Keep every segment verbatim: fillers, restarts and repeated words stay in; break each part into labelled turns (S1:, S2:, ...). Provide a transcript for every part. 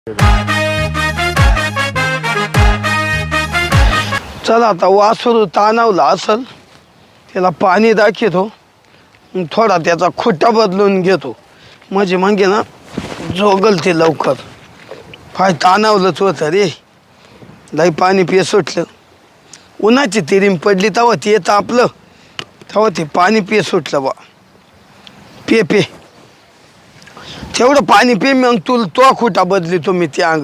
S1: चला आता वासरू ताणावला असल त्याला पाणी दाखवतो थोडा त्याचा खोटा बदलून घेतो म्हणजे मग ना जोगल ते लवकर फाय ताणावलंच होतं रे लई पाणी पिय सुटलं उन्हाची तिरीम पडली तेव्हा ते येतं आपलं तेव्हा ते पाणी पिय सुटलं बा पे पे तेवढं पाणी पे मग तुला तो खोटा बदली तुम्ही ते अंग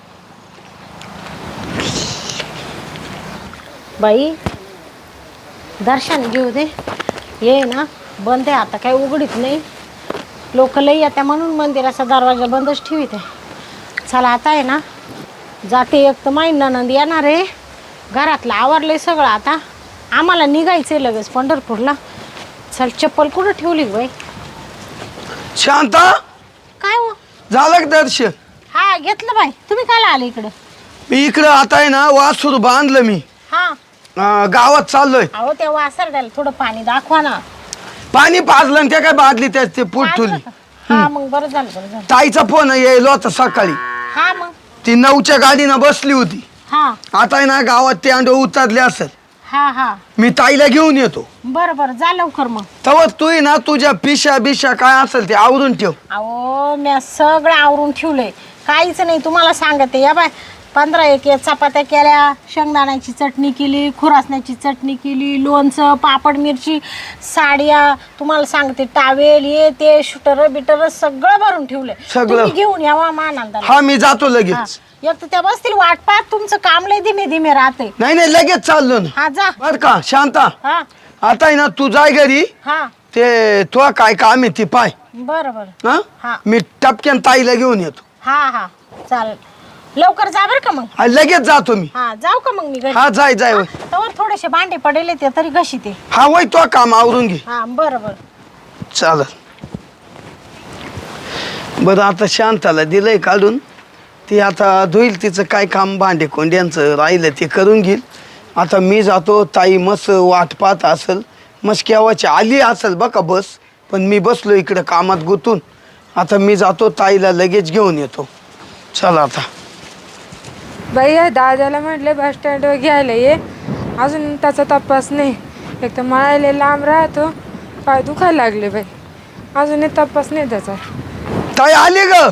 S2: बाई दर्शन घेऊ दे ये ना बंद आहे आता काही उघडीत नाही लोक लई येत्या म्हणून मंदिराचा दरवाजा बंदच ठेवीत आहे चला आता आहे ना जाते एक तर माई ननंद येणार आहे घरातलं आवरलंय सगळं आता आम्हाला निघायचंय लगेच पंढरपूरला चल चप्पल कुठं ठेवली बाई
S1: शांता
S2: काय हो
S1: झालं का दर्शन
S2: हा घेतलं बाई तुम्ही काय आले इकडं
S1: मी इकडं आता आहे ना वासरू बांधलं मी
S2: हा
S1: अं, गावात चाललोय
S2: अहो त्या वासरड्याला थोडं पाणी दाखवा ना
S1: पाणी पाजलं आणि त्या काय बादली त्याच ते पोट ठेवली
S2: हा मग बरं झालं बरं झालं
S1: ताईचा फोन यायला होता सकाळी
S2: हा मग
S1: ती नऊच्या गाडीनं बसली होती
S2: हा
S1: आता आहे ना गावात ते अंड उतरले असेल
S2: हा हा
S1: मी ताईला घेऊन येतो
S2: बरं बरं जा लवकर मग
S1: तेव्हा तू आहे ना तुझ्या पिशा बिशा काय असेल ते आवरून ठेव
S2: अहो मी सगळं आवरून ठेवलंय काहीच नाही तुम्हाला सांगते या बाय पंधरा एक एक चपात्या केल्या शेंगदाण्याची चटणी केली खुरासण्याची चटणी केली लोणचं पापड मिरची साड्या तुम्हाला सांगते टावेल ये ते शूटर बिटर सगळं भरून ठेवलंय
S1: सगळं?
S2: तुम्ही घेऊन यावा मानांदाला
S1: हा मी जातो लगेच
S2: एक तर त्या बसतील वाट पाहत तुमचं काम लय धीमे धीमे राहते
S1: नाही नाही लगेच चाललो ना
S2: हा जा
S1: बर का शांता
S2: हा
S1: आता आहे ना तू जाय घरी
S2: हा
S1: ते तो काय काम आहे ती पाय
S2: बरं बरं
S1: हा
S2: हा
S1: मी टपक्यान ताईला घेऊन येतो
S2: हा हा चालेल लवकर जा बरं का मग
S1: हा, लगेच जातो मी
S2: हा जाऊ का मग मी घरी
S1: हा जाय जाय होय.
S2: तर थोडेसे भांडे पडेले ते तरी कशी ते
S1: हा वय तो काम आवरून घे
S2: हा बरं बरं
S1: चालत बरं आता शांताला दिलंय काढून ती आता धुईल तिचं काय काम भांडे कोंड्यांचं राहिलं ते करून घेईल आता मी जातो ताई मस्त वाट पाहत असेल मस्त केव्हाची आली असेल बघा बस पण मी बसलो इकडं कामात गुतून आता मी जातो ताईला लगेच घेऊन येतो चला आता
S3: बाई या दादाला म्हटले बस स्टँडवर घ्यायला ये अजून त्याचा तपास नाही एक तर मळायला लांब राहतो पाय दुखायला लागले बाई अजून तपास नाही त्याचा
S1: ताई आली ग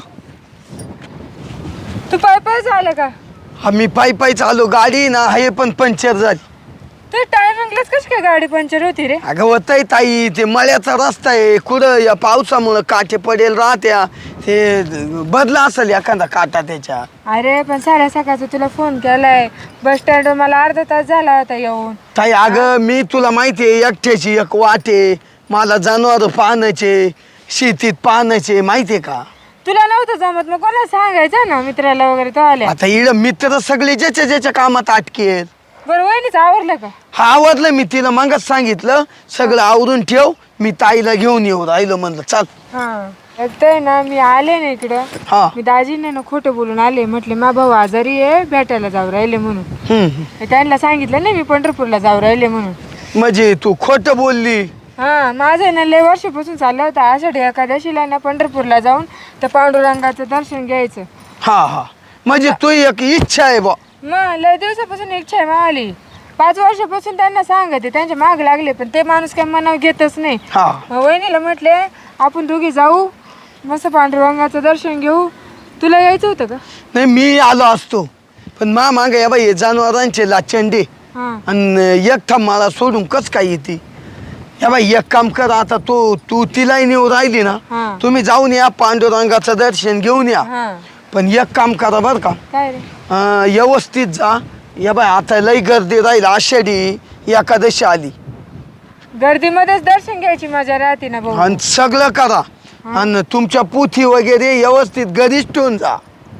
S3: तू पाय पाय झालं का
S1: हा मी पायी पायी चालू गाडी ना हे पण पंक्चर झाली
S3: तू टायमिंगलाच कशी काय गाडी पंक्चर होती रे
S1: अगं होतंय ताई ते मळ्याचा रस्ता आहे कुठं या पावसामुळं काटे पडेल राहत्या ते बदला असेल एखादा काटा त्याच्या
S3: अरे पण साड्या सकाळचा तुला फोन केलाय बस स्टँडवर मला अर्धा तास झाला होता येऊन
S1: ताई अगं मी तुला माहिती आहे एकट्याची एक वाटे मला जनावर पाहण्याचे शेतीत पाहण्याचे माहितीये का
S3: तुला नव्हतं जमत मग कोणाला सांगायचं ना मित्राला वगैरे तो आल्या
S1: आता इड मित्र सगळे ज्याच्या ज्याच्या कामात अटकेत
S3: बरं वहिनीच आवरलं का
S1: हा आवडलं मी तिला मगच सांगितलं सगळं आवरून ठेव मी ताईला घेऊन येऊ राहिलो म्हणलं चाल
S3: हा एकतर ना मी आले ना इकडं
S1: हा
S3: मी दाजीने ना खोटं बोलून आले म्हटले मा भाऊ आजारी आहे भेटायला जाऊ राहिले म्हणून
S1: हम्म, हम्म.
S3: त्यांना सांगितलं नाही मी पंढरपूरला जाऊ राहिले म्हणून
S1: म्हणजे तू खोटं बोलली
S3: हा माझं ना लय वर्षापासून चाललं होतं आषाढी एकादशीला ना पंढरपूरला जाऊन त्या पांडुरंगाचं दर्शन घ्यायचं
S1: हा हा म्हणजे तू एक इच्छा आहे बा
S3: मग लय दिवसापासून इच्छा आहे मावली पाच वर्षापासून त्यांना सांगते त्यांच्या माग लागले पण ते माणूस काही मनावर घेतच नाही
S1: हा
S3: मग वहिनीला म्हटले आपण दोघी जाऊ मस्त पांडुरंगाचं दर्शन घेऊ तुला यायचं होतं का
S1: नाही मी आलो असतो पण मा मागे या बाई जनावरांचे लाचंडे
S3: हा
S1: आणि एक थांब मला सोडून कस काय येते या बाई एक काम कर आता तू तू तिलाही नेऊ राहिली ना
S3: हा.
S1: तुम्ही जाऊन या पांडुरंगाचं दर्शन घेऊन या
S3: हा
S1: पण एक काम करा बरं का
S3: काय रे
S1: अं, व्यवस्थित जा या बाई आता लई गर्दी राहील आषाढी एकादशी आली
S3: गर्दीमध्येच दर्शन घ्यायची मजा राहते ना भाऊ
S1: आणि सगळं करा आणि तुमच्या पुथी वगैरे व्यवस्थित घरीच ठेवून जा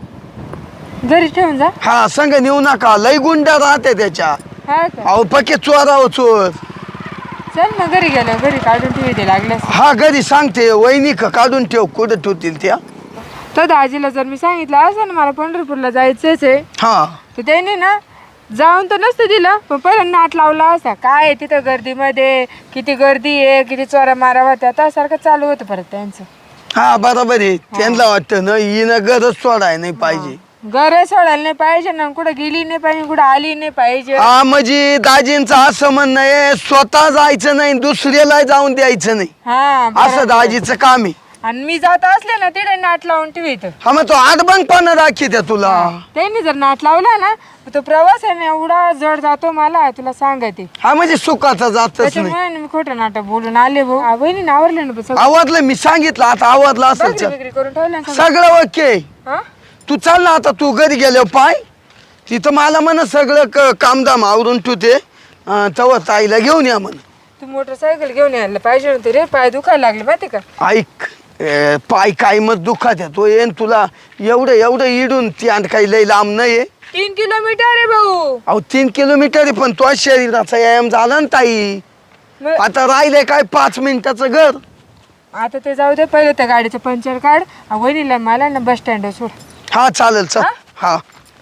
S3: घरी ठेवून जा
S1: हा संग नेऊ नका लई गुंड राहते त्याच्या
S3: हा का
S1: अहो पक्के चोराव चोर
S3: चल ना घरी गेलं घरी काढून ठेवते लागल्यास
S1: हा घरी सांगते वहिनी का काढून ठेव कुठं ठेवतील त्या
S3: तर दाजीला जर मी सांगितलं असं ना मला पंढरपूरला जायचंच आहे
S1: हा
S3: तर त्याने ना जाऊन तर नसतं दिलं पण पहिला नाट लावला असा काय आहे तिथं गर्दीमध्ये किती गर्दी आहे किती चोरा मारा होत्या त्यासारखं चालू होतं परत त्यांचं
S1: हा बरोबर आहे त्यांना वाटतं ना हिनं गरज सोडाय नाही पाहिजे.
S3: घर सोडायला नाही पाहिजे ना, कुठं गेली नाही पाहिजे, कुठं आली नाही पाहिजे.
S1: हा म्हणजे दाजींचं असं म्हणणं आहे स्वतः जायचं नाही दुसऱ्याला जाऊन द्यायचं नाही,
S3: हा
S1: असं
S3: बरोबर.
S1: दाजीचं काम आहे.
S3: आणि मी जात असले ना तिथे नाट लावून ठेवीत.
S1: हा मग तो आडबंगपणा दाखवते तुला.
S3: त्यांनी जर नाट लावला ना तो प्रवास आहे ना एवढा जड जातो मला तुला सांगते.
S1: हा म्हणजे सुखाचा जातच नाही.
S3: त्याच्यामुळे मी खोटं नाटक बोलून आले भाऊ. आ, बहिणीने आवरले ना सगळं?
S1: आवडलं मी सांगितलं आता आवडलं असेल
S3: भाकरी
S1: चल.
S3: बिकरी करून ठेवलं ना सगळं?
S1: सगळं ओके.
S3: हा?
S1: तू चाल ना आता तू घरी गेलो पाय तिथं मला म्हण सगळं क- कामधाम आवरून ठेवते तेव्हा ताईला घेऊन या म्हण.
S3: तू मोटरसायकल घेऊन यायला पाहिजे होते रे, पाय दुखायला लागले माहिती का?
S1: ऐक ए, पाय काय मग दुखात आहे तो येईन तुला एवढं एवढं इडून ती आणि काही लई लांब नाही.
S3: तीन किलोमीटर आहे भाऊ.
S1: अहो तीन किलोमीटर आहे पण तो शरीराचा व्यायाम झाला ना ताई.
S3: मग
S1: आता राहिलंय काय पाच मिनिटाचं घर.
S3: आता ते जाऊ दे, पहिले त्या गाडीचं पंक्चर काढ. आ, वहिनीला मला ना बस स्टँड सोड.
S1: हा चालेल चल. हा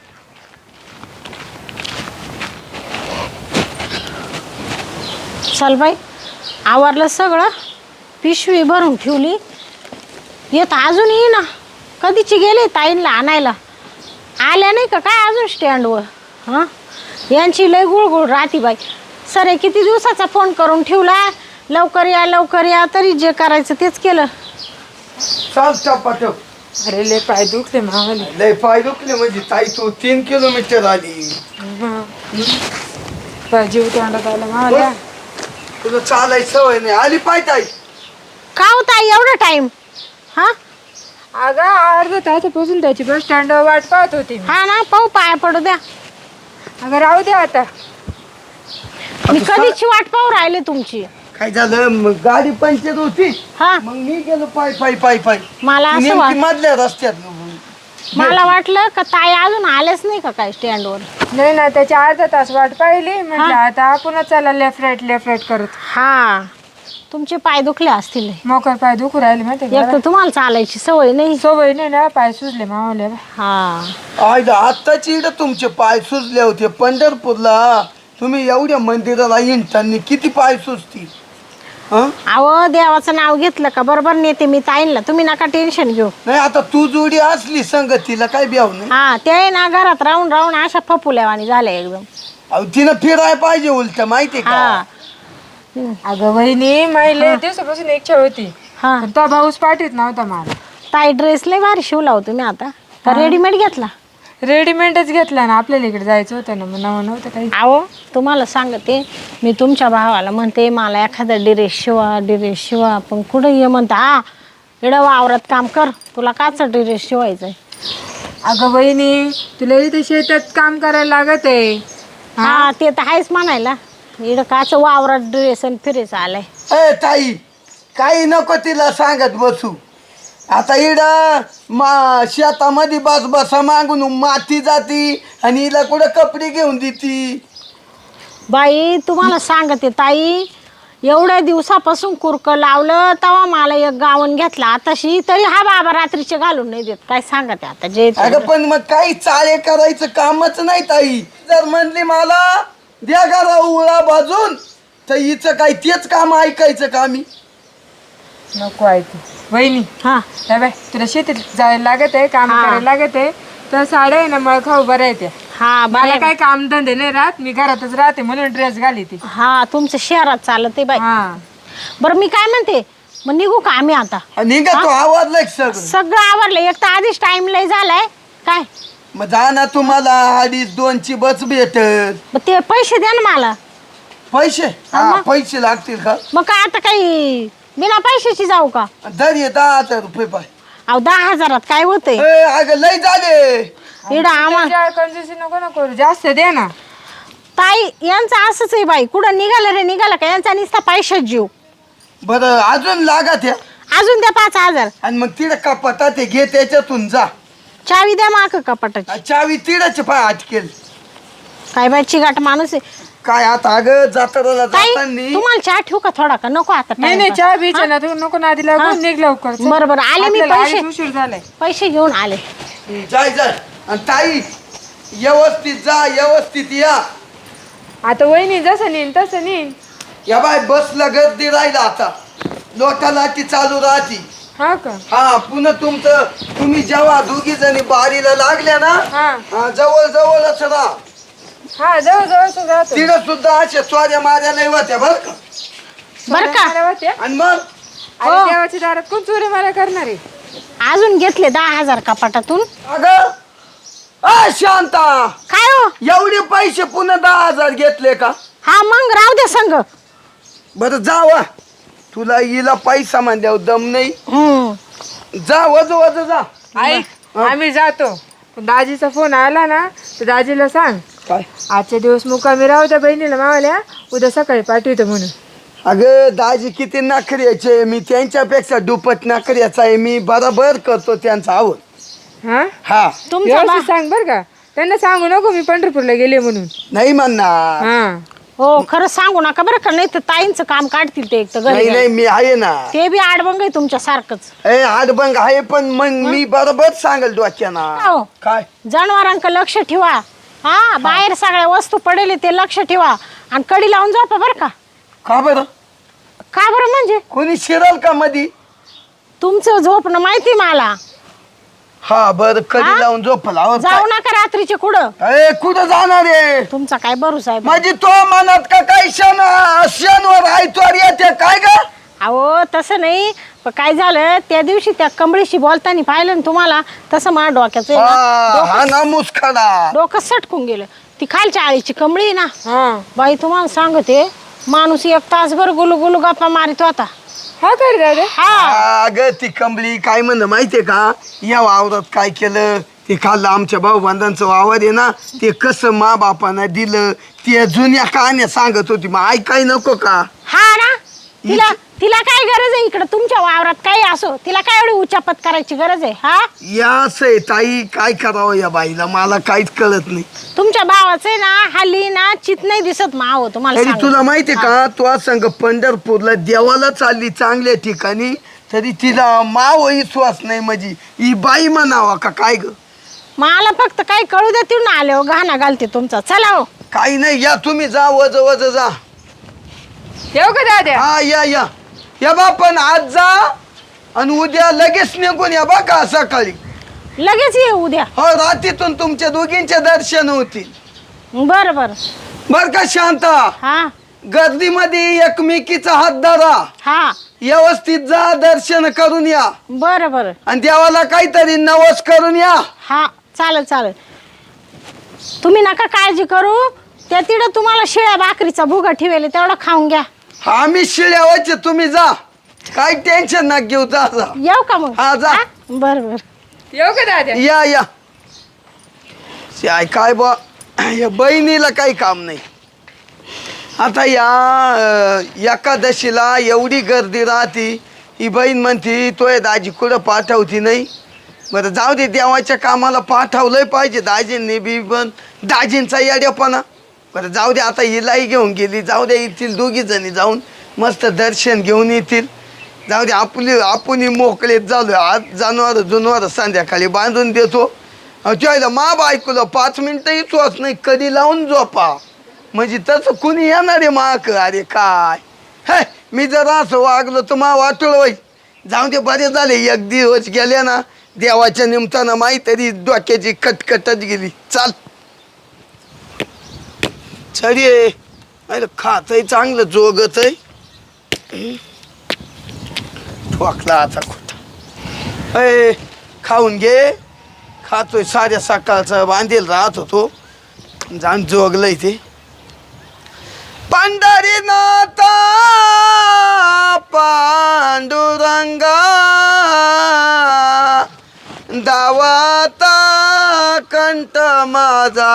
S2: चल बाई आवरलं सगळं, पिशवी भरून ठेवली. येत अजून ये ना, कधीची गेले ताईंला आणायला, आल्या नाही का काय अजून स्टँडवर. हां यांची लय गुळगुळ राहती बाई. सरे किती दिवसाचा फोन करून ठेवला, लवकर या लवकर या, तरी जे करायचं तेच केलं.
S1: चाल चपाटप.
S3: अरे लय पाय दुखले मावाले.
S1: लय पाय दुखले म्हणजे ताई तू तीन किलोमीटर आली.
S3: पाय जीव तोंडात आला मावाल्या.
S1: तुला चालायची सवय नाही आली पाय ताई.
S2: का होता एवढा टाइम? हां
S3: अगं अर्धा तासापासून त्याची बस स्टँडवर वाट पाहत होती मी.
S2: हा ना, पाहू पाया पडू द्या.
S3: अगं राहू दे आता.
S2: मी कधीची वाट पाहू राहिले तुमची.
S1: काय झालं मग गाडी पंक्चर होती
S2: हा
S1: मग मी गेलो पाय पाय पाय पाय
S2: मला असं
S1: नेमकी
S2: वाट
S1: मधल्या रस्त्यात.
S2: मला वाटलं का ताई अजून आलेच नाही का काय स्टँडवर.
S3: नाही ना, त्याची अर्धा तास वाट पाहिली. म्हटलं आता आपण चला लेफ्ट राईट लेफ्ट राईट करत.
S2: हा तुमचे पाय दुखले असतील.
S3: मोकर पाय दुखू राहिले माहिती
S2: एक तर
S3: का?
S2: तुम्हाला चालायची सवय नाही.
S3: सवय नाही ना, पाय सुजले मावले.
S2: हा
S1: आयला आत्ताची इकडे तुमचे पाय सुजले होते पंढरपूरला. तुम्ही एवढ्या मंदिराला येताना किती पाय सुजतील. हं?
S2: अहो देवाचं नाव घेतलं का बरोबर नेते मी ताईंला, तुम्ही नका टेन्शन घेऊ.
S1: नाही आता तू जोडी असली संगतीला काय ब्याव नाही.
S2: हा ते ना घरात राहून राहून अशा फपुल्यावानी झाल्या एकदम.
S1: अहो तिनं फिराय पाहिजे उलट माहितीये
S2: हा
S1: का.
S3: अगं वहिनी माहिले दिवसापासून इच्छा होती,
S2: हा
S3: पण तो भाऊस पाठीत नव्हता मला.
S2: ताई ड्रेस लय भारी शिवला हो तुम्ही आता का रेडीमेड घेतला?
S3: रेडीमेडच घेतला ना, आपल्याला इकडे जायचं होतं ना, मग नवं नव्हतं काही.
S2: अहो तुम्हाला सांगते मी तुमच्या भावाला म्हणते मला एखादा ड्रेस शिवा ड्रेस शिवा, पण कुठं ये म्हणता हा इडं वावरात काम कर, तुला काच ड्रेस शिवायचंय.
S3: अगं वहिनी तुला इथे शेतात काम करायला लागत आहे.
S2: हा ते तर आहेच म्हणायला, इडं काच वावरात ड्रेस आणि फिरेस आलाय.
S1: ए ताई काही नको तिला सांगत बसू. आता इड मा शेतामध्ये बस बसा मागून माती जाती आणि हिला कुठं कपडे घेऊन देती.
S2: बाई तुम्हाला सांगते ताई, एवढ्या दिवसापासून कुरक लावलं तेव्हा मला एक गावन घेतला आताशी, तरी हा बाबा रात्रीचे घालून नाही देत. काय सांगते आता जे ते.
S1: अगं पण मग काही चाळे करायचं कामच नाही ताई. जर म्हणली मला द्या घरा उळा बाजून तर हिचं काय तेच काम ऐकायचं का मी.
S3: नको ऐकू वहिनी.
S2: हा
S3: हे बाय तुला शेतीत जायला लागत आहे, काम
S2: हा.
S3: करायला लागत आहे, तर साड्या आहे ना मळ खाऊ बऱ्या येते.
S2: हा
S3: मला
S2: बाय
S3: काय काम धंदे नाही राहत, मी घरातच राहते म्हणून ड्रेस घाली ती.
S2: हा तुमचं शहरात चालत आहे बाई.
S3: हा
S2: बरं मी काय म्हणते, मग निघू का आम्ही आता?
S1: आणि का तो आवडलाय सगळं.
S2: सगळं आवरलं, एक तर आधीच टाइम लय झालाय. काय
S1: मग जा ना तुम्हाला अडीच दोनची बस भेटत.
S2: मग ते पैसे द्या ना मला.
S1: पैसे
S2: हा
S1: हा
S2: मग.
S1: पैसे लागतील का.
S2: मग काय आता काही बिना पैशाची जाऊ का?
S1: दर ये दहा हजार रुपये पाय.
S2: अहो दहा हजारात काय होतंय?
S1: ए, अगं लय झाले.
S2: इडं आम्हाला
S3: तुझ्या कंजूसी नको ना करू, जास्त दे ना.
S2: ताई यांचं असंच आहे बाई, कुठं निघालं रे निघालं का यांचा नुसता पैशाच जीव.
S1: बरं अजून लागत या
S2: अजून द्या पाच हजार.
S1: आणि मग तिड कपाटा ते घे त्याच्यातून जा.
S2: चावी द्या माग कपाटाची.
S1: चावी तिडच पाय अटकेल.
S2: काय बाई चिगाट माणूस आहे.
S1: काय आता अगं जाताना
S2: ताई
S1: जातानी
S2: तुम्हाला चहा ठेवू का थोडा का? नको आता
S3: नाही नाही चहा बीच ना, तू नको नादी
S2: हा?
S3: लागून निघ लवकर. चल.
S2: बरं बरं आले मी.
S3: आपल्याला
S2: पैसे
S3: आधीच उशीर झालाय.
S2: पैसे घेऊन आले.
S1: जाय जाय आणि ताई व्यवस्थित जा व्यवस्थित या.
S3: आता वहिनी जसं नेईन तसं नेईन.
S1: या बाय बसला गर्दी राहिला आता लोटा लाटी चालू राहती.
S3: हा का?
S1: हा पुन्हा तुमचं तुम्ही जेव्हा दोघी जणी बारीला लागल्या ना
S3: हा
S1: हा, जवळ जवळच राहा.
S3: हा जवळ जवळ राहतो.
S1: तिथं सुद्धा अशा चोऱ्या माऱ्या नाही होत्या बर का.
S2: बरं का?
S3: मारा होत्या.
S1: आणि मग
S3: अरे देवाच्या दारात कोण चोरी मारा करणार आहे?
S2: अजून घेतले दहा हजार कपाटातून.
S1: अगं अ शांता,
S2: काय हो?
S1: एवढे पैसे पुन्हा दहा हजार घेतले का?
S2: हा मग राहू दे संग.
S1: बरं जावा, तुला हिला पैसा म्हणल्यावर दम नाही.
S2: हम्म.
S1: जा वज वज जा.
S3: ऐक आम्ही जातो. पण दाजीचा फोन आला ना तर दाजीला सांग
S1: काय?
S3: आजचे दिवस मुक्कामी राहू त्या बहिणीला मावल्या, उद्या सकाळी पाठवतो म्हणून.
S1: अगं दाजी किती नखऱ्याचे, मी त्यांच्यापेक्षा दुप्पट नखऱ्याचा आहे. मी बरोबर करतो त्यांचा आवड.
S3: हा
S1: हा
S2: तुमचा
S3: व्यवस्थित
S2: बा-
S3: सांग बर का. त्यांना सांगू नको मी पंढरपूरला गेले म्हणून.
S1: नाही म्हणणार.
S3: हा
S2: हो खरं सांगू नका बरं का, नाही तर ताईंचं काम काढतील ते एक तर
S1: नाही
S2: घरी.
S1: नाही मी आहे ना.
S2: ते बी आडबंग आहे तुमच्या सारखंच.
S1: ए आडबंग आहे पण मग मी बरोबर सांगेल डोक्याना.
S2: हो.
S1: काय
S2: जनावरांक लक्ष ठेवा. हा बाहेर सगळ्या वस्तू पडेल ते लक्ष ठेवा आणि कडी लावून झोपा बरं का.
S1: का बरं?
S2: का बरं म्हणजे
S1: कोणी शिरल का मधी?
S2: तुमचं झोपणं माहिती मला.
S1: हा बर कधी
S2: हा?
S1: लावून झोपला हो,
S2: जाऊ नका रात्रीचे कुठं.
S1: काय? ए कुठं जाणार आहे?
S2: तुमचा काय भरोसा आहे बा?
S1: म्हणजे तो मनात का काही क्षण क्षणवर आयतवार येते काय ग?
S2: अहो तसं नाही, पण काय झालं त्या दिवशी त्या कमळीशी बोलताना पाहिलं ना तुम्हाला, तसं मला डोक्याचं आहे ना,
S1: हा
S2: डोकं-
S1: हा ना मुसखडा.
S2: डोकं सटकून गेलं. ती खालच्या आळीची कमळी आहे ना
S3: हा
S2: बाई, तुम्हाला सांगते माणूस एक तासभर गुलू गुलू गप्पा मारित होता.
S3: हा कर दादा.
S2: हा
S1: अग ती कमली काय म्हण माहितीये का, या वावरात काय केलं ते खाल्लं. आमच्या भाऊ बांधांचं वावर आहे ना, ते कसं मा बापानं दिलं ते जुन्या कहाण्या सांगत होती. मग ऐकाय नको का?
S2: हा ना, तिला तिला काय गरज आहे इकडं तुमच्या वावरात काही असो, तिला काय एवढी उचापत करायची गरज आहे? हा
S1: या असं ताई काय करावं या बाईला, मला काहीच कळत नाही.
S2: तुमच्या भावाचं ना हल्ली ना चित नाही दिसत माव तुम्हाला
S1: तरी
S2: सांगते.
S1: तुला माहितीये का, तू संग पंढरपूरला देवाला चालली चांगल्या ठिकाणी, तरी तिला माव विश्वास नाही. म्हणजे ही बाई म्हणावा का काय ग?
S2: मला फक्त काही कळू दे, तिथून आले हो गाणं घालते तुमचा. चला हो.
S1: काही नाही, या तुम्ही जा वज वज जा.
S3: येऊ का दादा?
S1: हा या या या बा, पण आज जा आणि उद्या लगेच निघून या बा का सकाळी.
S2: लगेच ये उद्या.
S1: हो रात्रीतून तुमच्या दोघींचे दर्शन होतील.
S2: बरं बरं.
S1: बर का शांता,
S2: हा
S1: गर्दीमध्ये एकमेकीचा हात धरा,
S2: हा
S1: व्यवस्थित जा, दर्शन करून या
S2: बरं बरं.
S1: आणि देवाला काहीतरी नवस करून या.
S2: हा चालेल चालेल. तुम्ही नका काळजी करू, त्या तिथं तुम्हाला शिळ्या भाकरीचा भुगा ठेवेल तेवढा खाऊन घ्या.
S1: आम्ही शिळ्यावरचे, तुम्ही जा, काही टेन्शन ना घेऊ. जा जा.
S2: येऊ का मग?
S1: हा, जा.
S2: बरं बरं.
S3: येऊ का दादा?
S1: या या काय काय बा, या बहिणीला काही काम नाही. आता या अं, एकादशीला एवढी गर्दी राहती, ही बहीण म्हणती तोय दाजी कुठं पाठवती नाही. बरं जाऊ दे, देवाच्या कामाला पाठवलंय पाहिजे दाजींनी बी, पण दाजींचा येड्यापणा. बरं जाऊ दे, आता हिलाही घेऊन गेली, जाऊ दे, येथील दोघी जणी जाऊन मस्त दर्शन घेऊन येतील. जाऊ दे, आपली आपण मोकळेत झालो. आज जनावर जुनवर संध्याकाळी बांधून देतो. त्याला मा बायकोला पाच मिनिटंही चोच नाही, कधी लावून झोपा. म्हणजे तसं कुणी येणार आहे माक? अरे काय हे, मी जर असं वागलो तर मा वाटलं बाई. जाऊ दे, बरे झाले एक दिवस गेले ना, देवाच्या निमतानं माही तरी डोक्याची कटकटच गेली. चाल छडी आहे, खातही चांगलं जोगत आहे. ठोकला आता खोटा. अय खाऊन घे. खातोय साऱ्या सकाळचा बांधेल राहत होतो, जाण जोगलंय ते. पंढरीनाथा पांडुरंगा दावाता कंठ माझा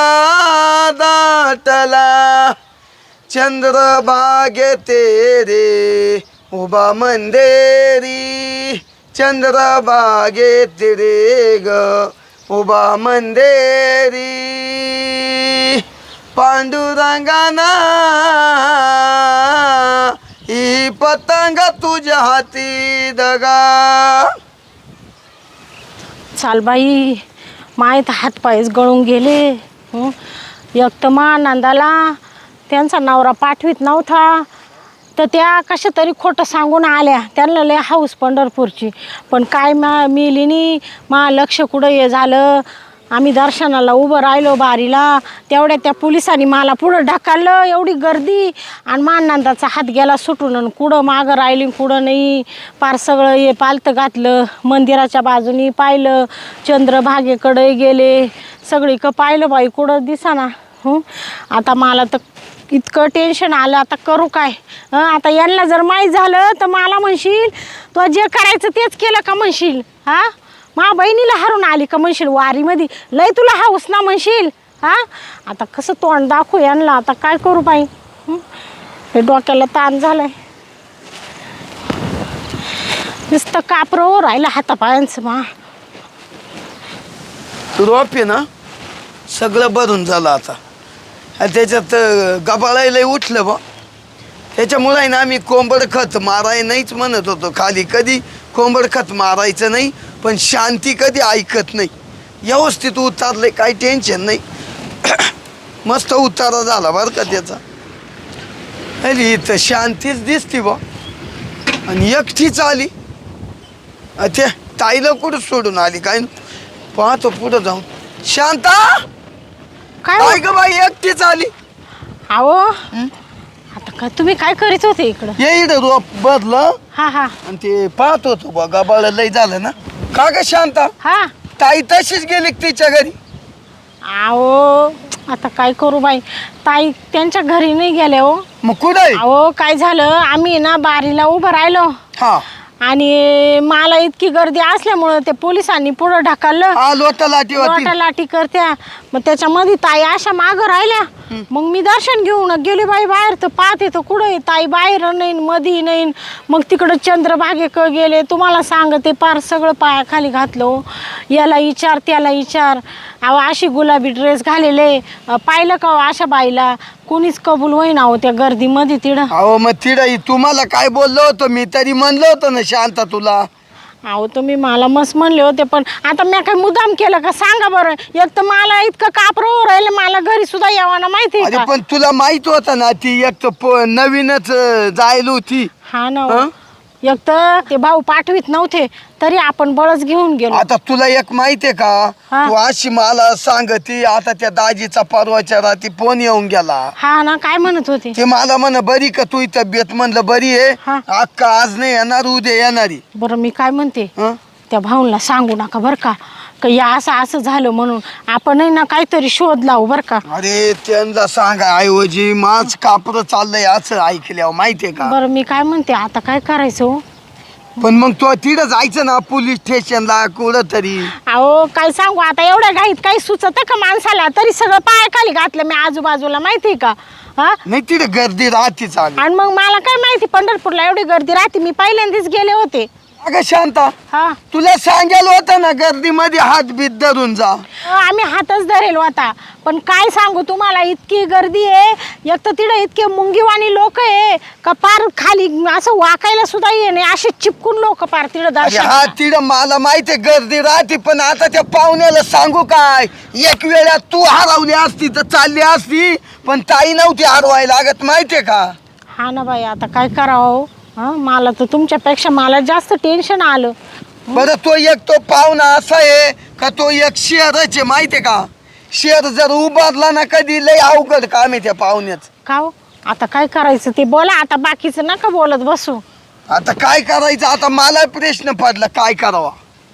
S1: दाटला, चंद्रभागे तेरे उभा मंदेरी, चंद्रभागे तेरे ग उभा मंदेरी, पांडुरंगाना ही पतंग तुझ्या हाती दगा.
S2: चाल बाई, माहीत हातपायच गळून गेले. हं? एक तर मा नंदाला त्यांचा नवरा पाठवीत नव्हता, तर त्या कशा तरी खोटं सांगून आल्या. त्यांना लय हाऊस पंढरपूरची, पण काय मा मिलीनी मा लक्ष कुठं हे झालं. आम्ही दर्शनाला उभं राहिलो बारीला, तेवढ्या त्या पोलिसांनी मला पुढं ढकललं. एवढी गर्दी आणि माननंदाचा हात गेला सुटून आणि कुठं मागं राहिली कुठं नाही. पार सगळं हे पालतं घातलं. मंदिराच्या बाजूनी पाहिलं, चंद्रभागेकडे गेले, सगळीकडं पाहिलं बाई कुठं दिसाना. हं आता मला तर इतकं टेन्शन आलं. आता करू काय? हं आता यांना जर माहीत झालं तर मला म्हणशील तो जे करायचं तेच केलं का म्हणशील. हां मा बहिणीला हरून आली का म्हणशील वारीमध्ये, लय तुला हाऊस ना म्हणशील. हां आता कसं तोंड दाखवू यांना, आता काय करू बाई. हे डोक्याला ताण झालाय, नुसतं कापरं राहिलं हातापायांचं. मा
S1: रोप आहे ना सगळं भरून झालं आता. आणि त्याच्यात गबाळायला उठलं बा, त्याच्यामुळे आहे ना आम्ही कोंबड खत माराय नाहीच म्हणत होतो खाली. कधी कोंबड खत मारायचं नाही, पण शांती कधी ऐकत नाही. व्यवस्थित उतारले, काही टेन्शन नाही. मस्त उतारा झाला बरं का त्याचा. अरे इथं शांतीच दिसती बा. आणि एकटीच आली, त्या ताईला कुठं सोडून आली काय पाहतो पुढं जाऊन. शांता
S2: काय
S1: काय ग बाई एकटीच आली.
S2: अहो आता काय तुम्ही काय करीत होते इकडं?
S1: ये इकडं रोप बदलं
S2: हा हा
S1: आणि ते पाहत होतो बा गबाळ लय झालं ना. का ग शांता
S2: हा
S1: ताई तशीच गेली का तिच्या घरी?
S2: अहो आता काय करू बाई, ताई त्यांच्या घरी नाही गेल्या हो.
S1: मग कुठं आहे?
S2: अहो काय झालं, आम्ही ना बारीला उभं राहिलो
S1: हा
S2: आणि मला इतकी गर्दी असल्यामुळं ते पोलिसांनी पुढं ढकललं.
S1: हा लोटा लाटी होती.
S2: लोटा लाटी करत्या, मग त्याच्यामध्ये ताई अशा मागं राहिल्या. मग मी दर्शन घेऊन गेले बाई बाहेर, तर पाहते तर कुठं ताई बाहेर नाही मधी नाही. मग तिकडं चंद्रभागेकडे गेले, तुम्हाला सांगते पार सगळं पायाखाली घातलं. याला विचार त्याला विचार. अहो अशी गुलाबी ड्रेस घालेले, पाहिलं का अशा बाईला कोणीच कबूल होईना हो त्या गर्दीमध्ये तिडं.
S1: अहो मग तिडं तुम्हाला काय बोललो होतो मी तरी म्हणलं होतं ना शांता तुला.
S2: अहो तुम्ही मला मस्त म्हणले होते, पण आता मी काय मुद्दाम केलं का सांगा बरं. एक तर मला इतकं कापरं राहिलं, मला घरी सुद्धा यावं ना माहिती
S1: अरे
S2: का.
S1: पण तुला माहित होतं ना ती एक तर नवीनच जायला होती.
S2: हा ना हो. एक तर ते भाऊ पाठवीत नव्हते तरी आपण बळच घेऊन गेलो.
S1: आता तुला एक माहितीये का,
S2: हा.
S1: तू अशी मला सांगती आता त्या दाजीचा परवाच्या रात्री फोन येऊन गेला.
S2: हा ना काय म्हणत होते
S1: ते मला म्हण बरी का तू तब्येत? म्हणलं बरी
S2: हा.
S1: आहे अक्का, आज नाही येणार उद्या येणारी.
S2: बरं मी काय म्हणते,
S1: हं?
S2: त्या भाऊला सांगू नका बरं का, का या असं असं झालं म्हणून. आपणही ना काहीतरी शोध लावू बरं का.
S1: अरे त्यांना सांगा ऐवजी माझ कापरं चाललंय असं ऐकल्यावर माहितीये का.
S2: बरं मी काय म्हणते, आता काय करायचं हो?
S1: पण मग तो तिथं जायचं ना पोलीस स्टेशनला कुठं तरी.
S2: अहो काय सांगू आता, एवढ्या घाईत काही सुचत का माणसाला? तरी सगळं पायाखाली घातलं मी आजूबाजूला माहिती का. हा
S1: नाही तिथं गर्दी राहते चालू.
S2: आणि मग मला काय माहिती पंढरपूरला एवढी गर्दी राहते. मी पहिल्यांदाच गेले होते.
S1: अगं शांता
S2: हा
S1: तुला सांगायला होतं ना गर्दीमध्ये हात बीत धरून जा.
S2: आम्ही हातच धरेल होता, पण काय सांगू तुम्हाला इतकी गर्दी आहे. एक तर तिथं इतके मुंगीवाणी लोक आहे का पार खाली असं वाकायला सुद्धा ये नाही, असे चिपकून लोक पार तिथं
S1: अरे
S2: दर्शन.
S1: हा तिथं मला माहितीये गर्दी राहते, पण आता त्या पाहुण्याला सांगू काय, एक वेळा तू हरवली असती तर चालली असती, पण ताई नव्हती हरवायला लागत माहितीये का.
S2: हा ना बाई आता काय करावं. हा मला तर तुमच्यापेक्षा मला जास्त टेन्शन आलं.
S1: बरं तो एक तो पाहुणा असा आहे का तो एक शेअरच आहे माहितीये का. शेअर जर उभारला ना कधी लय अवघड काम आहे त्या पाहुण्याच.
S2: का हो? आता काय करायचं ते बोला, आता बाकीचं नका बोलत बसू.
S1: आता काय करायचं, आता मला प्रश्न पडला काय करावा.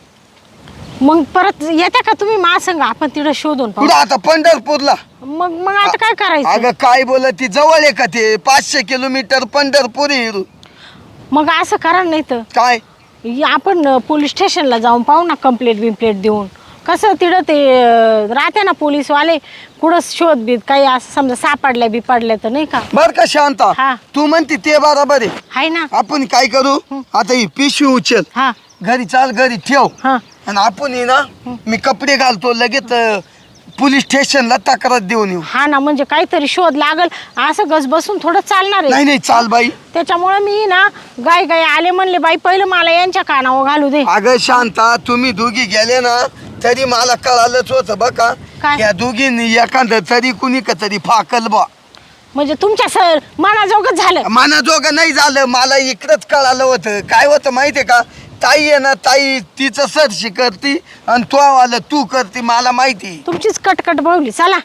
S2: मग परत येते का तुम्ही मा संग, आपण तिथं शोधून पाहू.
S1: पुढं आता पंढरपूरला.
S2: मग मग आता काय करायचं?
S1: अगं काय बोल ती जवळ आहे का ते, पाचशे किलोमीटर पंढरपूर आहे.
S2: मग असं करा नाही तर
S1: काय
S2: आपण पोलीस स्टेशनला जाऊन पाहू ना, कंप्लेंट बिम्प्लेट देऊन. कसं तिथं ते अं, राहते ना पोलीसवाले, कुठं शोध बीत काही असं समजा सापडल्या बिपडल्या तर नाही का.
S1: बर का शांता,
S2: हा.
S1: तू म्हणते ते बरोबर आहे.
S2: हाय ना.
S1: आपण काय करू आता, ही पिशवी उचल
S2: हा
S1: घरी, चाल घरी ठेव
S2: हा
S1: आणि आपण ये ना मी कपडे घालतो लगेच अं, पोलीस स्टेशनला तक्रार देऊन येऊ.
S2: हा ना, म्हणजे काहीतरी शोध लागल. असं गस बसून थोडं चालणार
S1: नाही
S2: आहे.
S1: नाही चाल बाई.
S2: त्याच्यामुळे मी ना गाय गाय आले म्हणले बाई पहिलं मला यांच्या कानावर घालू दे.
S1: अगं शांता तुम्ही दोघी गेले ना तरी मला कळालंच होतं बघा,
S2: काय?
S1: या दोघींनी एखादं तरी कुणी का तरी फाकल बा.
S2: म्हणजे तुमच्या सर मनाजोगं झालं.
S1: मनाजोगं नाही झालं, मला इकडंच कळालं होतं. काय होतं माहितीये का, ताई आहे ना ताई तिचं सरशी करती आणि तो आलं तू करती, मला माहिती.
S2: तुमचीच कटकट बळवली. चला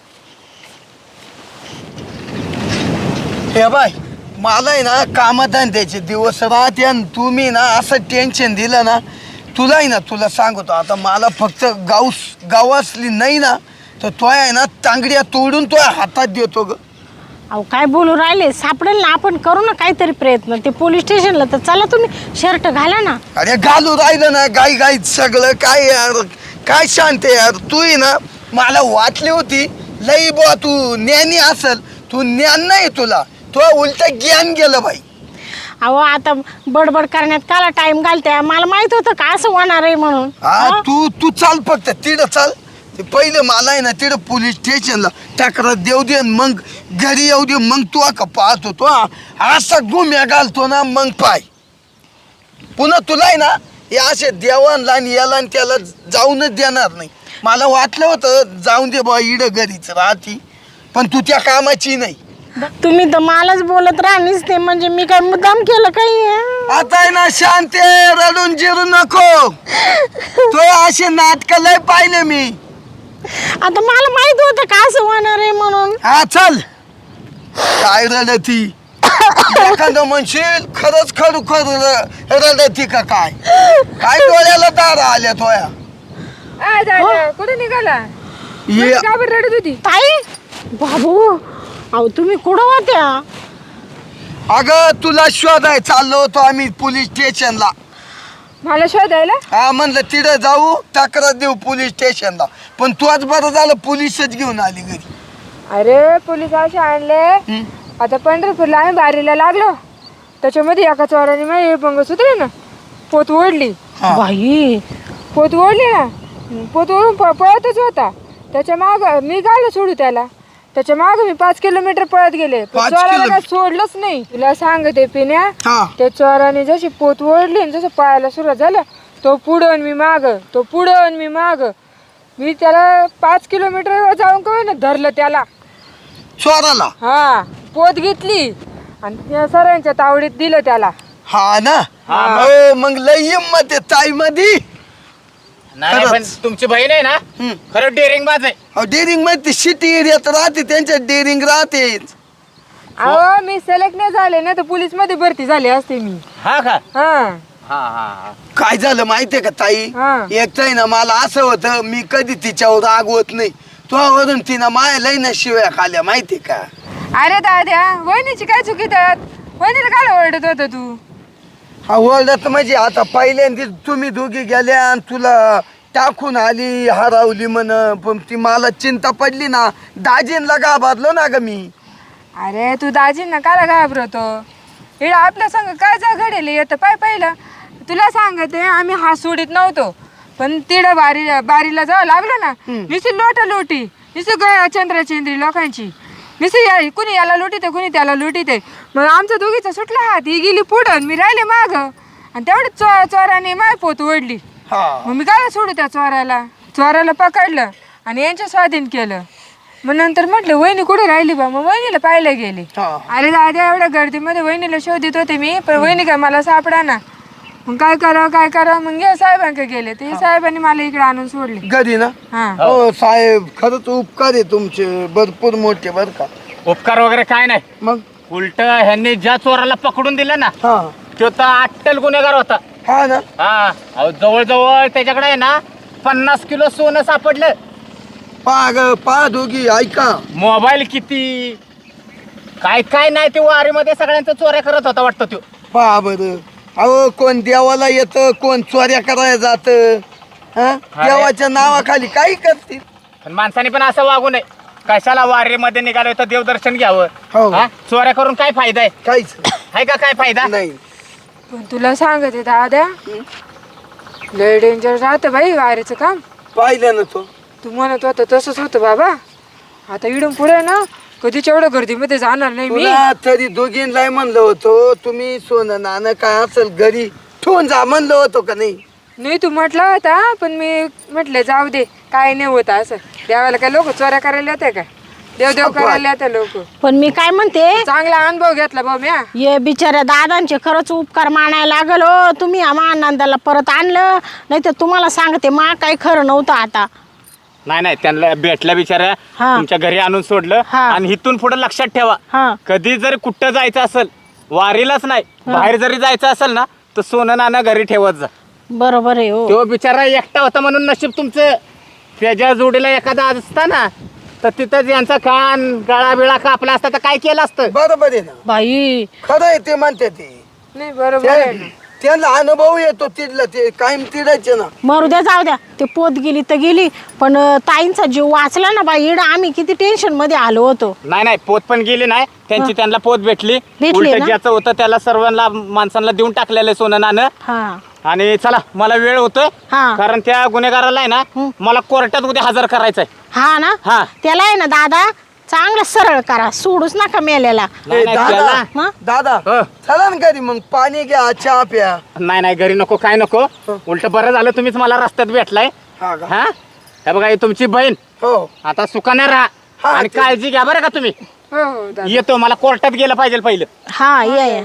S1: हे बाय, मला आहे ना कामधंद्याचे दिवस राहते आणि तुम्ही ना असं टेन्शन दिलं ना, तुला आहे ना तुला सांगतो आता, मला फक्त गाऊस गावासली नाही ना तर तो आहे ना तांगड्या तोडून तो हातात देतो ग.
S2: अहो काय बोलू राहिले, सापडेल ना, आपण करू ना काहीतरी प्रयत्न. ते पोलीस स्टेशनला तर चला, तुम्ही शर्ट घाला ना.
S1: अरे घालू राहिलं ना गाई गाई सगळं काय यार, काय शांत यार. तू आहे ना मला वाटली होती लई बुवा तू ज्ञानी असल, तू ज्ञान नाही तुला, तो उलट ज्ञान गेलं बाई.
S2: अहो आता बडबड करण्यात काला टाइम घालते, मला माहित होतं का असं होणार आहे म्हणून.
S1: हा
S2: हा?
S1: तू तू चाल फक्त तिथं चाल. ते पहिलं मला आहे ना तिथं पोलीस स्टेशनला तक्रार देऊ दे, मग घरी येऊ दे, मग तू का पाहतो तो असा गुम्या घालतो ना, मग पाय पुन्हा तुला आहे ना हे असे देवानला आणि याला आणि त्याला जाऊनच देणार नाही. मला वाटलं होतं जाऊन दे बा इडं घरीच राहती, पण तू त्या कामाची नाही.
S2: तुम्ही तर मलाच बोलत राहणीच ते, म्हणजे मी काय मुद्दाम केलं काही.
S1: आता आहे ना शांत रडून जिरू नको, तो असे नाटक लय पाहिले मी.
S2: आता मला माहित होतं का असं होणार आहे म्हणून.
S1: हा चल, काय रडती एखादं म्हणशील खरंच खरू खर रडती का काय, काय डोळ्याला दारा आल्या तोया.
S3: आ, दादा, कुठे निघाला?
S1: ये
S3: का बरं रडत होती?
S2: ताई बाबू, अहो तुम्ही कुठं होत्या?
S1: अगं तुला शोधाय चाललो होतो आम्ही पोलीस स्टेशनला.
S3: मला शोधायला?
S1: हा म्हणलं तिथं जाऊ तक्रार देऊ पोलीस स्टेशनला, पण तू आज बरं झालं पोलीसच घेऊन आली घरी.
S3: अरे पोलीस असे आणले.
S1: हं?
S3: आता पंढरपूरला आम्ही बारीला लागलो, त्याच्यामध्ये एका चोराने माझी मंगळसूत्र ना पोत ओढली.
S1: हा.
S2: बाई
S3: पोत ओढली ना, पोत ओढून प- पळतच होता. त्याच्या माग मी गायला सोडू त्याला, त्याच्या माग मी पाच किलोमीटर पळत गेले, पण
S1: पाच
S3: चोराला
S1: किलो-
S3: काय सोडलंच नाही. तुला सांगते पिण्या,
S1: हा.
S3: त्या चोराने जशी पोत ओढली आणि जसं पळायला सुरुवात झालं, तो पुढं आणि मी माग, तो पुढं आणि मी माग. मी त्याला पाच किलोमीटर जाऊन काय ना धरलं त्याला.
S1: चोराला?
S3: हा, पोत घेतली आणि त्या सरांच्या तावडीत दिलं त्याला.
S1: हा ना.
S4: हा,
S1: हो, मग लय हिंमत आहे ताई मधी.
S4: नाही नाही, पण
S1: खरंच.
S4: तुमची बहीण आहे ना
S1: हं.
S4: खरं डेअरिंग बाज आहे.
S1: डेअरिंग मध्ये सिटी एरियात राहते, त्यांच्या डेअरिंग राहते.
S3: अहो मी सिलेक्ट नाही झाले ना तर पोलीस मध्ये भरती झाली असते मी.
S4: हा का?
S3: हा
S4: हा हा हा.
S1: काय झालं माहितीये का ताई,
S3: हा.
S1: एकटाय ना मला असं होतं मी कधी तिच्यावर रागवत नाही, तुझ्यावरून तिनं माया लई ना शिव्या खाल्ल्या माहितीये का.
S3: अरे दाद्या, वहिनीची काय चुकी त्यात? वहिनीला काय ओरडत होता तू?
S1: हा ओरडत म्हणजे आता पहिल्यांदा तुम्ही दोघी गेल्या आणि तुला टाकून आली हरवली म्हण, पण ती मला चिंता पडली ना, दाजींला घाबरलो ना ग मी.
S3: अरे तू दाजींना काला घाबरतो? इकडं आपल्या संग काय जा घडेल येतं पाय पहिलं. तुला सांगते आम्ही हात सोडित नव्हतो, पण तिडं बारी बारीला जावं लागलं ना, नुसती लोटा लोटी, नुसती चंद्रचंद्री लोकांची, नुसती या कुणी याला लुटीते कुणी त्याला लुटीते. मग आमचा दोघीचा सुटला हात, ही गेली पुढं आणि मी राहिले माग, आणि तेवढं चो चोराने माय पोत ओढली.
S1: हा.
S3: मग मी काय सोडू त्या चोराला? चोराला पकडलं आणि यांच्या स्वाधीन केलं. मग नंतर म्हटलं वहिनी कुठे राहिली बा, मग वहिनीला पाहायला गेली.
S1: हा.
S3: अरे दादा, एवढ्या गर्दीमध्ये वहिनीला शोधित होते मी, पण वहिनी काय मला सापडा ना. मग काय करावं काय करावं, मग हे साहेबांकडे गेले, ते साहेबांनी मला इकडे आणून सोडले.
S1: घरी ना.
S3: हा
S1: हो साहेब, खरंच उपकार आहे तुमचे भरपूर मोठे बर का.
S4: उपकार वगैरे काय नाही,
S1: मग
S4: उलट ह्यांनी ज्या चोराला पकडून दिलं ना
S1: हा
S4: तो तर अट्टल गुन्हेगार होता.
S1: हा ना.
S4: हा अहो, जवळजवळ त्याच्याकडे आहे ना पन्नास किलो सोनं सापडलं.
S1: पा ग पा दोघी ऐका,
S4: मोबाईल किती काय काय नाही, ते वारीमध्ये सगळ्यांचं चोऱ्या करत होता वाटतं तो.
S1: पहा बरं. अहो कोण देवाला येतं, कोण चोऱ्या करायला जातं. हा देवाच्या नावाखाली काही करतील.
S4: पण माणसाने पण असं वागू नये. कशाला वारीमध्ये निघालोय तर देवदर्शन घ्यावं.
S1: हो.
S4: हा? चोऱ्या करून काय फायदा आहे?
S1: काहीच
S4: आहे का काय फायदा?
S1: नाही.
S3: पण तुला सांगते दादा, लय डेंजर राहतं बाई वारीचं काम.
S1: पाहिलं ना तो.
S3: तू म्हणत होता तसंच होतं बाबा. आता इडून पुढे ना कधीच एवढं गर्दीमध्ये जाणार नाही मी.
S1: तुला तरी दोघींना म्हणलं होतं, तुम्ही सोनं नाणं काय असेल घरी ठेवून जा म्हणलं होतं का नाही?
S3: नाही तू म्हटला होता, पण मी म्हटलं जाऊ दे, काय नाही होत असं. देवाला काय लोक चोऱ्या करायला येते का? देव देव करायला येतात लोक.
S2: पण मी काय म्हणते,
S3: चांगला अनुभव घेतला भाऊ म्या.
S2: ये बिचाऱ्या दादांचे खरंच उपकार मानायला लागल हो. तुम्ही आम्हा आनंदाला परत आणलं, नाही तर तुम्हाला सांगते मा काही खरं नव्हतं आता.
S4: नाही नाही त्यांना भेटल्या बिचाऱ्या
S2: हा.
S4: तुमच्या घरी आणून सोडलं.
S2: हा.
S4: आणि इथून पुढे लक्षात ठेवा,
S2: हा.
S4: कधी जर कुठं जायचं असेल, वारीलाच नाही बाहेर जरी जायचं असेल ना, तर सोनं नाणं घरी ठेवत जा.
S2: बरोबर आहे हो.
S4: तो बिचारा एकटा होता म्हणून नशीब तुमचं. त्याच्या जोडीला एखादा असता ना, तर तिथंच यांचा कान गळा बिळा कापला असता तर काय केलं असतं.
S1: बरोबर आहे ना,
S2: बाई
S1: खरं आहे ते म्हणते ते.
S3: नाही बरोबर आहे ना.
S1: त्या- त्यांना अनुभव येतो तिथलं, ते कायम तिडायचे ना.
S2: मरू द्या, जाऊ द्या. ते पोत गेली तर गेली, पण अं, ताईंचा जीव वाचला ना बाई. इड आम्ही किती टेन्शन मध्ये आलो होतो.
S4: नाही नाही पोत पण गेली नाही त्यांची, त्यांना पोत भेटली.
S2: भेटली
S4: उलट
S2: ना?
S4: ज्याचं होतं त्याला सर्वांना माणसांना देऊन टाकलेलं सोनं नाणं.
S2: हा
S4: आणि चला मला वेळ होतोय,
S2: हा.
S4: कारण त्या गुन्हेगाराला आहे ना मला कोर्टात उद्या हजर करायचंय.
S2: हा ना,
S4: हा.
S2: त्याला आहे ना दादा चांगलं सरळ करा, सोडूच नका मेलेला.
S4: नाही,
S1: ए,
S4: नाही,
S1: दादा
S4: त्याला-
S2: मग?
S1: दादा
S4: हो.
S1: चला ना घरी, मग पाणी घ्या, चहा प्या.
S4: नाही नाही घरी नको, काय नको. उलट बरं झालं तुम्हीच मला रस्त्यात भेटलाय.
S1: हा का?
S4: हा हे बघा, ही तुमची बहीण.
S1: हो
S4: आता सुखाने राहा
S1: हा,
S4: आणि
S1: ते-
S4: काळजी घ्या बरं का तुम्ही.
S3: हो हो दादा.
S4: येतो, मला कोर्टात गेलं पाहिजे पहिलं.
S2: हा या या.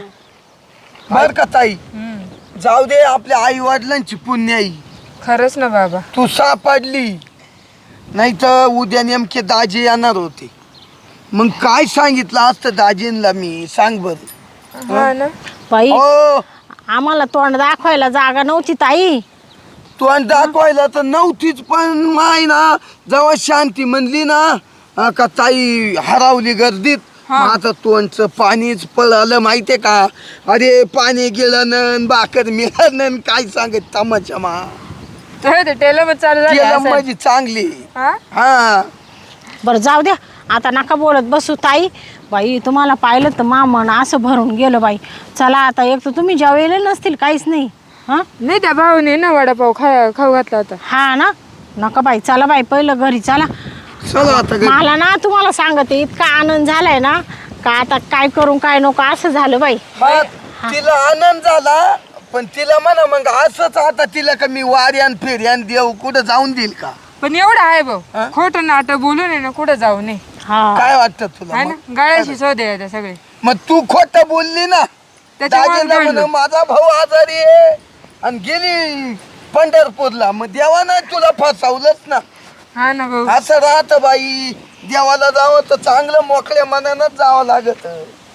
S1: बर का ताई,
S3: हम्म.
S1: जाऊ दे, आपल्या आई वडिलांची पुण्याई
S3: खरंच ना बाबा.
S1: तू सापडली, नाही तर उद्या नेमके दाजी येणार होते. मग काय सांगितलं असतं दाजींना मी, सांग बर.
S3: हा ना.
S2: बाई
S1: हो,
S2: आम्हाला तोंड दाखवायला जागा नव्हती ताई.
S1: तू आणि दाखवायला तर नव्हतीच, पण माय ना जेव्हा शांती म्हणली ना, हा का ताई हरावली गर्दीत.
S3: हा.
S1: मग आता तोंडचं पाणीच पळालं माहितीये का. अरे पाणी गेलं न भाकर मिळालं, काय सांगत तमाशा मा.
S3: तर ते टेलर चालू झाले
S1: केलं
S3: असेल.
S1: माझी चांगली.
S3: हा?
S1: हा
S2: बरं जाऊ द्या, आता नका बोलत बसू ताई. बाई तुम्हाला पाहिलं तर मा मन असं भरून गेलं बाई. चला आता, एक तर तुम्ही जेवायला नसतील काहीच नाही. हा
S3: नाही त्या भाऊने ना वडापाव खा खाऊ घातला होता.
S2: हा ना, नका बाई, चला बाई पहिलं घरी चला.
S1: चला आता घरी.
S2: मला ना तुम्हाला सांगते, इतका आनंद झालाय ना का आता काय करू काय नको असं झालं बाई.
S1: हा, तिला आनंद झाला, पण तिला म्हणा मग असंच आता तिला का मी वाऱ्यान फेऱ्यान देऊ कुठं जाऊन देईल का.
S3: पण एवढं आहे भाऊ,
S1: हा?
S3: खोटं नाटक बोलू नये ना, कुठं जाऊ नये.
S2: हा
S1: काय वाटतं तुला
S3: आहे
S1: मग?
S3: ना, गळ्याशी शोधे येते सगळे.
S1: मग तू खोटं बोलली ना.
S3: त्याच्यामुळे
S1: दाजीला
S3: घडलं.
S1: म्हण माझा भाऊ आजारी आहे आणि गेली पंढरपूरला, मग देवानं तुला फसवलंच ना.
S3: हा ना भाऊ.
S1: असं राहत बाई, देवाला जावं तर चांगलं मोकळ्या मनानच जावं लागत.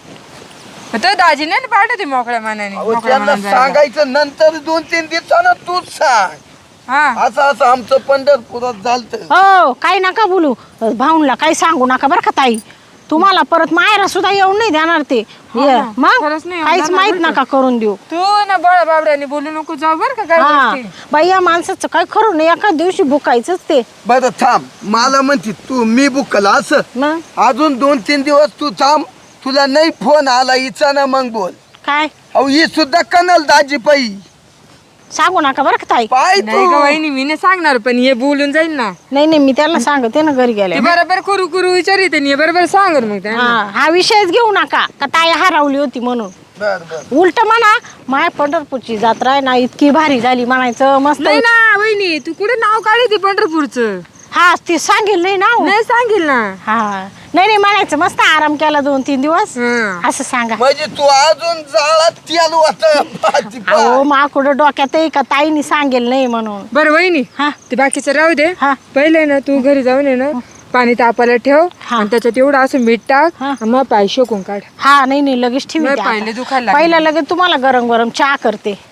S3: तर दाजीने ना पाठवते मोकळ्या मनाने.
S1: अहो,
S3: मोकळ्या
S1: त्यांना
S3: मनाने जायला.
S1: सांगायचं नंतर दोन तीन दिवसानं तूच सांग.
S3: हा.
S1: असं असं आमचं पंढरपुरात झालत.
S2: हो काही नका बोलू, भाऊनला काही सांगू नका बरं का ताई. तुम्हाला परत मायरा सुद्धा येऊन नाही देणार ते.
S3: हा
S2: ये,
S3: ना,
S2: मग
S3: खरंच नाही
S2: काहीच
S3: येणार
S2: माहित
S3: बरं का.
S2: नका करून देऊ.
S3: तू ना बळ बाबड्याने बोलू नको जाऊ बर का काय
S2: हा
S3: गोष्टी.
S2: बाई, या माणसाचं काय खरं नाही, एका दिवशी भुकायचंच ते.
S1: बरं थांब, मला म्हणते तू मी बुकला असं.
S2: मग
S1: अजून दोन तीन दिवस तू थांब, तुला नाही फोन आला हिचा ना मग बोल.
S2: काय
S1: अहो ही सुद्धा कनल दाजी पाई
S2: सांगू नका बरं का ताई.
S1: पाय
S3: नाही
S1: तू.
S3: का वहिनी, मी नाही सांगणार, पण हे बोलून जाईल ना.
S2: नाही नाही, मी त्याला सांगते ना घरी
S3: ते
S2: गेल्या.
S3: बरोबर करू करू विचारित आणि हे बरोबर सांगर मग त्यांना.
S2: हा हा विषयच घेऊ नका का ताई हरवली होती म्हणून.
S1: बर बर.
S2: उलट म्हणा, माया पंढरपूरची जत्रा आहे ना इतकी भारी झाली म्हणायचं, मस्त.
S3: नाही ना वहिनी, तू कुठे नाव काढते पंढरपूरचं.
S2: हा ती सांगेल नाही ना हो.
S3: नाही सांगेल ना.
S2: हा नाही नाही म्हणायचं, मस्त आराम केला दोन तीन दिवस
S3: हा.
S2: असं सांगा.
S1: म्हणजे तू अजून जाळात तेल वाटत.
S2: अहो माकुडं डोक्यात आहे का ताईनी सांगेल नाही म्हणून.
S3: बरं वहिनी,
S2: हा
S3: ते बाकीचं राहू दे.
S2: हा.
S3: पहिले ना तू घरी जाऊन ये ना, पाणी तापायला ठेव
S2: हा.
S3: आणि त्याच्यात एवढं असं मीठ टाक
S2: हा.
S3: आणि मग पाय शेकून काढ.
S2: हा नाही नाही लगेच
S3: नाही,
S2: ठेवी
S3: पाहिले दुखायला लागले.
S2: पहिला लगेच तुम्हाला गरम गरम चहा करते.